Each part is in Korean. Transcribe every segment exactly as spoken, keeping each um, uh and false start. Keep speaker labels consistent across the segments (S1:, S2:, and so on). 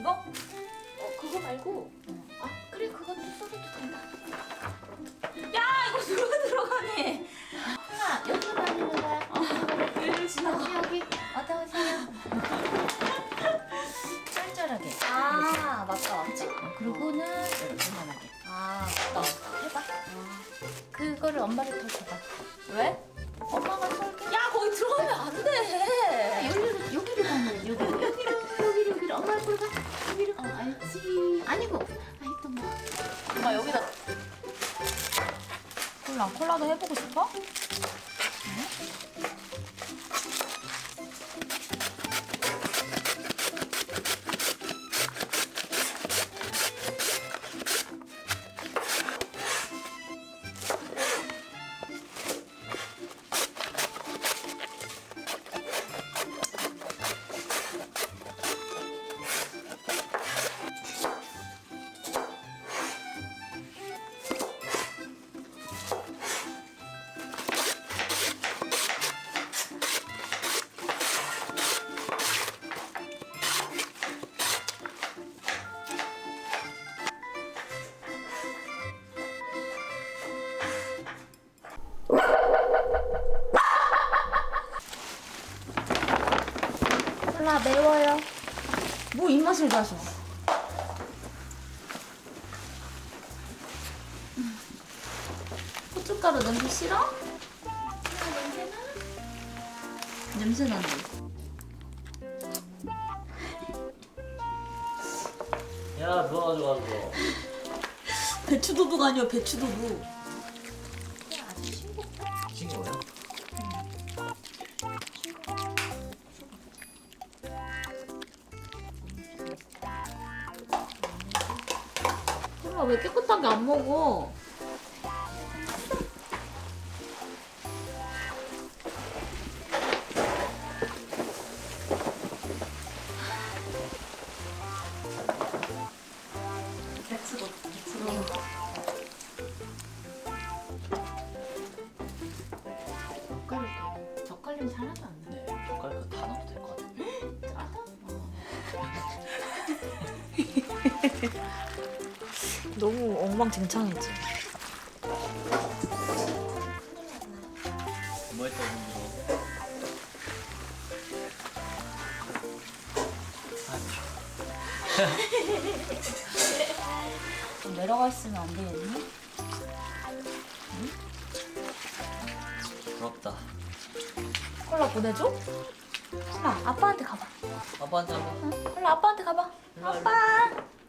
S1: 이거?
S2: 어 그거 말고. 아 그래 그것도 써도 된다.
S1: 야 이거 누가 들어가니?
S2: 하나 여기로 다니는 거야.
S1: 얘를 지나가.
S2: 여기 여기 어서 오세요. 짤짤하게.
S1: 아 맞다 맞지?
S2: 어, 그리고는 이렇게 만하게.
S1: 아 맞다.
S2: 해봐. 그거를 엄마를 더 줘봐.
S1: 왜?
S2: 엄마가 쏠게.
S1: 야 거기 들어가면 안 돼.
S2: 여기로 여기로 가면 여기로 여기로 여기로 여기로 엄마 앞으로 가. 여기로. 어 알지. 아니고. 아이 또 뭐.
S1: 엄마 여기다. 콜라 콜라도 해보고 싶어?
S2: 콜라 매워요.
S1: 뭐 입맛을 다셔. 고춧가루 냄새 싫어? 냄새 난다.
S3: 야, 누가 가져가서.
S1: 배추도둑 아니야 배추도둑.
S2: 아주 싱겁.
S3: 싱거워요?
S1: 콜라 왜 깨끗하게 안 먹어? 배추도 배추도.
S2: 젓갈을 젓갈 냄새 하나도 안 나.
S3: 네, 젓갈 다 넣어도 될 것 같아요.
S2: 짜다.
S1: 너무 엉망진창이지.
S3: 뭐 했다, 이거.
S1: 좀 내려가 있으면 안 되겠니?
S3: 부럽다.
S1: 콜라 보내줘? 콜라 아빠한테 가봐.
S3: 아빠한테 한번.
S1: 응? 콜라 아빠한테 가봐.
S3: 일로 와,
S1: 아빠.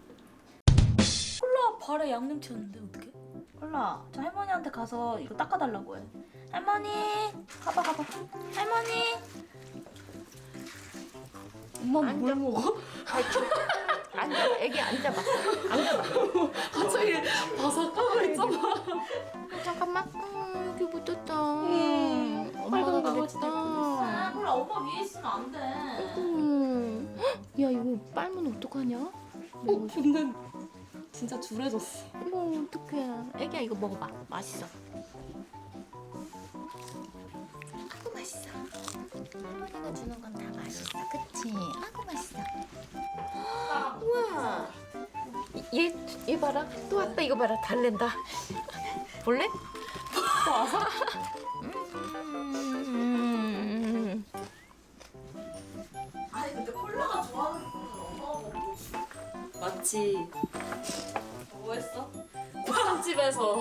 S1: 콜라 발에 양념 튀었는데 어떡해? 콜라 저 할머니한테 가서 이거 닦아달라고 해. 할머니 가봐 가봐. 할머니. 엄마 뭘 먹어?
S2: 앉아. 애기 앉아봐. 앉아봐.
S1: 갑자기 바삭하고 있잖아.
S2: 잠깐만. 음, 여기 묻었다.
S1: 음,
S2: 엄마가
S1: 빨간
S2: 그랬다.
S1: 아, 콜라 엄마 위에 있으면 안 돼.
S2: 음. 야 이거 빨면 어떡하냐?
S1: 어, 근데 진짜 줄해졌어.
S2: 어머 어떡해. 애기야 이거 먹어봐. 맛있어. 아구 맛있어. 할머니가 주는 건 다 맛있어. 그치? 아구 맛있어. 우와. 얘, 얘 봐라. 또 아빠 이거 봐라. 달랜다. 볼래? 또 와서? 음.
S1: 아니 근데 콜라가 좋아하는 건 엄마가 먹고. 맞지. 뭐 했어? 곱창집에서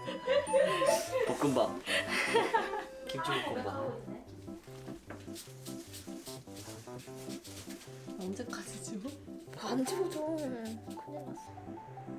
S3: 볶음밥. 김치볶음밥.
S1: 언제까지 지워?
S2: 안 집어줘. 큰일 났어.